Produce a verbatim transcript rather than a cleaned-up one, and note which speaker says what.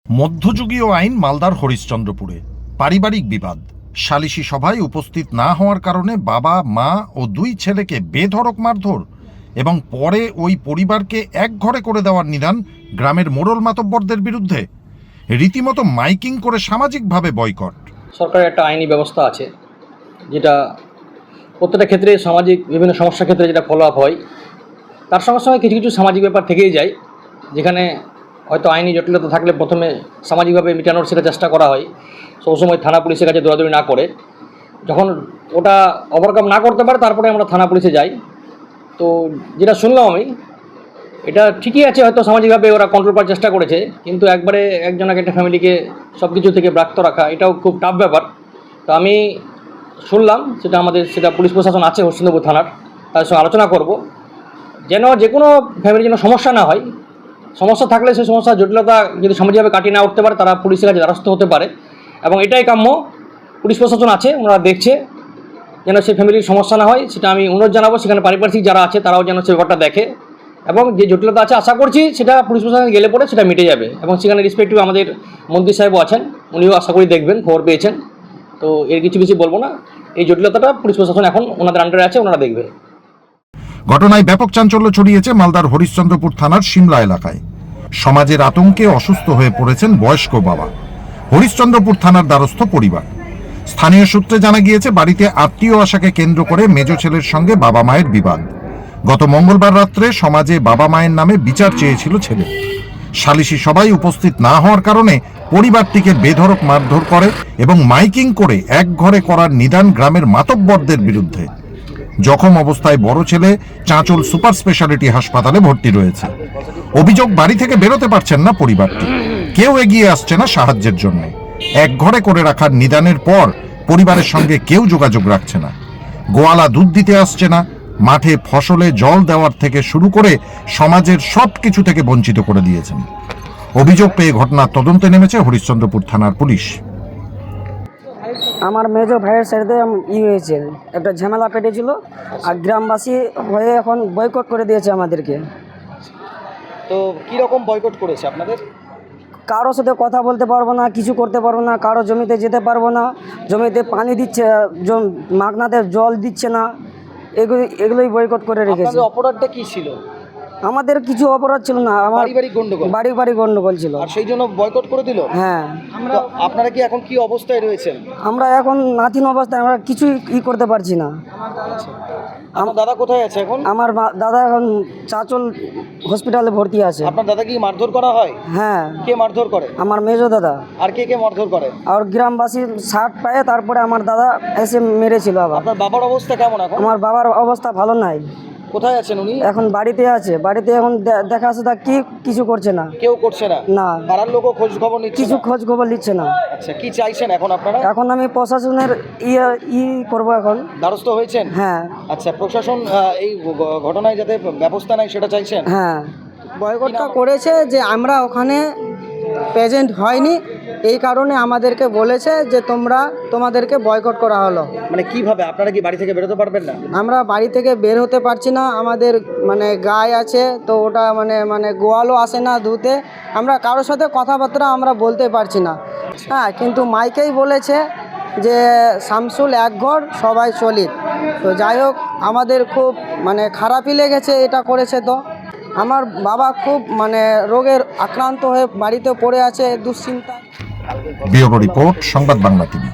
Speaker 1: মধ্যযুগীয় আইন মালদার হরিশ্চন্দ্রপুরে পারিবারিক বিবাদ। সালিশি সভায় উপস্থিত না হওয়ার কারণে বাবা, মা ও দুই ছেলেকে বেধড়ক মারধর এবং পরে ওই পরিবারকে এক ঘরে করে দেওয়ার নিদান গ্রামের মোড়ল মাতব্বরদের বিরুদ্ধে। রীতিমতো মাইকিং করে সামাজিকভাবে বয়কট।
Speaker 2: সরকারের একটা আইনি ব্যবস্থা আছে, যেটা প্রত্যেকটা ক্ষেত্রে সামাজিক বিভিন্ন সমস্যার ক্ষেত্রে যেটা ফলো আপ হয়, তার সঙ্গে সঙ্গে কিছু কিছু সামাজিক ব্যাপার থেকেই যায়, যেখানে হয়তো আইনি জটিলতা থাকলে প্রথমে সামাজিকভাবে মেটানোর সেটা চেষ্টা করা হয়, সবসময় থানা পুলিশের কাছে দৌড়াদৌড়ি না করে। যখন ওটা ওভারকাম না করতে পারে তারপরে আমরা থানা পুলিশে যাই। তো যেটা শুনলাম আমি, এটা ঠিকই আছে, হয়তো সামাজিকভাবে ওরা কন্ট্রোল করার চেষ্টা করেছে, কিন্তু একবারে একজন একটা ফ্যামিলিকে সব কিছু থেকে ব্রাক্ত রাখা এটাও খুব টাফ ব্যাপার। তো আমি শুনলাম, সেটা আমাদের সেটা পুলিশ প্রশাসন আছে হরিশ্চন্দ্রপুর থানার, তাদের সঙ্গে আলোচনা করব, যেন যে কোনো ফ্যামিলির যেন সমস্যা না হয়। সমস্যা থাকলে সেই সমস্যার জটিলতা যদি সামাজিকভাবে কাটিয়ে না উঠতে পারে, তারা পুলিশের কাছে দ্বারস্থ হতে পারে, এবং এটাই কাম্য। পুলিশ প্রশাসন আছে, ওনারা দেখছে যেন সেই ফ্যামিলির সমস্যা না হয়, সেটা আমি অনুরোধ জানাবো। সেখানে পারিপার্শ্বিক যারা আছে তারাও যেন সে ব্যাপারটা দেখে, এবং যে জটিলতা আছে আশা করছি সেটা পুলিশ প্রশাসনে গেলে পরে সেটা মিটে যাবে। এবং সেখানে রেসপেক্টিভ আমাদের মন্ত্রী সাহেবও আছেন, উনিও আশা করি দেখবেন, খবর পেয়েছেন। তো এর কিছু বেশি বলবো না, এই জটিলতাটা পুলিশ প্রশাসন এখন ওনাদের আন্ডারে আছে, ওনারা দেখবে।
Speaker 1: ঘটনায় ব্যাপক চাঞ্চল্য ছড়িয়েছে মালদার হরিশ্চন্দ্রপুর থানার সিমলা এলাকায়। সমাজের আতঙ্কে অসুস্থ হয়ে পড়েছেন বয়স্ক বাবা। হরিশ্চন্দ্রপুর থানার দ্বারস্থ পরিবার। স্থানীয় সূত্রে জানা গিয়েছে, বাড়িতে আত্মীয় আশাকে কেন্দ্র করে মেজ ছেলের সঙ্গে বাবা মায়ের বিবাদ। গত মঙ্গলবার রাত্রে সমাজে বাবা মায়ের নামে বিচার চেয়েছিল ছেলে। সালিশি সভায় উপস্থিত না হওয়ার কারণে পরিবারটিকে বেধড়ক মারধর করে এবং মাইকিং করে এক ঘরে করার নিদান গ্রামের মাতব্বরদের বিরুদ্ধে। জখম অবস্থায় বড় ছেলে চাঁচল সুপার স্পেশালিটি হাসপাতালে ভর্তি রয়েছে। অভিযোগ, বাড়ি থেকে বেরোতে পারছেন না পরিবারটি, কেউ এগিয়ে আসছে না সাহায্যের জন্য। এক ঘরে করে রাখার নিদানের পর পরিবারের সঙ্গে কেউ যোগাযোগ রাখছে না। গোয়ালা দুধ দিতে আসছে না, মাঠে ফসলে জল দেওয়ার থেকে শুরু করে সমাজের সব কিছু থেকে বঞ্চিত করে দিয়েছেন। অভিযোগ পেয়ে ঘটনার তদন্তে নেমেছে হরিশ্চন্দ্রপুর থানার পুলিশ।
Speaker 3: আমার মেজ ভাইয়ের সাথে ই হয়েছে, একটা ঝামেলা পেটেছিল, আর গ্রামবাসী হয়ে এখন বয়কট করে দিয়েছে আমাদেরকে।
Speaker 2: তো কীরকম বয়কট করেছে আপনাদের?
Speaker 3: কারোর সাথে কথা বলতে পারবো না, কিছু করতে পারবো না, কারো জমিতে যেতে পারবো না, জমিতে পানি দিচ্ছে, মাগনাতে জল দিচ্ছে না, এগুলো এগুলোই বয়কট করে রেখেছে।
Speaker 2: অপরাধটা কী ছিল? আমাদের
Speaker 3: কিছু অপরাধ ছিল না, আমার
Speaker 2: পারিবারিক গন্ডগোল,
Speaker 3: বাড়ি বাড়ি গন্ডগোল ছিল,
Speaker 2: আর সেই জন্য বয়কট করে দিল।
Speaker 3: হ্যাঁ।
Speaker 2: আমরা আপনারা কি এখন কি অবস্থায় রয়েছেন?
Speaker 3: আমরা এখন নাথিন অবস্থায়, আমরা কিছুই ই করতে পারছি না।
Speaker 2: আমার দাদা কোথায় আছে এখন?
Speaker 3: আমার দাদা এখন চাঁচল হসপিটালে ভর্তি আছে।
Speaker 2: আপনার দাদা কি মারধর করা হয়?
Speaker 3: হ্যাঁ।
Speaker 2: কে মারধর করে?
Speaker 3: আমার মেজো দাদা।
Speaker 2: আর কে কে মারধর করে?
Speaker 3: আর গ্রামবাসী শার্ট পায়ে তারপরে আমার দাদা এসে মেরেছিল আবার।
Speaker 2: আপনার বাবার অবস্থা কেমন এখন?
Speaker 3: আমার বাবার অবস্থা ভালো নাই।
Speaker 2: কোথায় আছেন উনি?
Speaker 3: এখন বাড়িতে আছে, বাড়িতে এখন দেখা আছে, তা কি কিছু করছে না,
Speaker 2: কেউ করছে না।
Speaker 3: না,
Speaker 2: পাড়ার লোকও খোঁজ খবর নিচ্ছে
Speaker 3: কিছু খোঁজ খবর নিচ্ছে না।
Speaker 2: আচ্ছা, কি চাইছেন এখন আপনারা?
Speaker 3: এখন আমি প্রশাসনের ইয়ে ই করবো এখন।
Speaker 2: দ্বারস্থ হয়েছেন?
Speaker 3: হ্যাঁ।
Speaker 2: আচ্ছা, প্রশাসন এই ঘটনায় যাতে ব্যবস্থা নেয় সেটা চাইছেন?
Speaker 3: হ্যাঁ।
Speaker 4: বয়কটটা করেছে যে আমরা ওখানে প্রেজেন্ট হয়নি, এই কারণে আমাদেরকে বলেছে যে তোমরা তোমাদেরকে বয়কট করা হলো।
Speaker 2: মানে কিভাবে? আপনারা কি বাড়ি থেকে বেরোতে পারবেন না?
Speaker 4: আমরা বাড়ি থেকে বের হতে পারছি না, আমাদের মানে গায়ে আছে, তো ওটা মানে মানে গোয়ালও আসে না ধুতে, আমরা কারোর সাথে কথাবার্তা আমরা বলতে পারছি না। হ্যাঁ, কিন্তু মাইকেই বলেছে যে শামসুল এক ঘর সবাই চলিত। তো যাই হোক, আমাদের খুব মানে খারাপই লেগেছে এটা করেছে। তো আমার বাবা খুব মানে রোগের আক্রান্ত হয়ে বাড়িতে পড়ে আছে, দুশ্চিন্তা।
Speaker 1: ব্যুরো রিপোর্ট, সংবাদ বাংলা টিভি।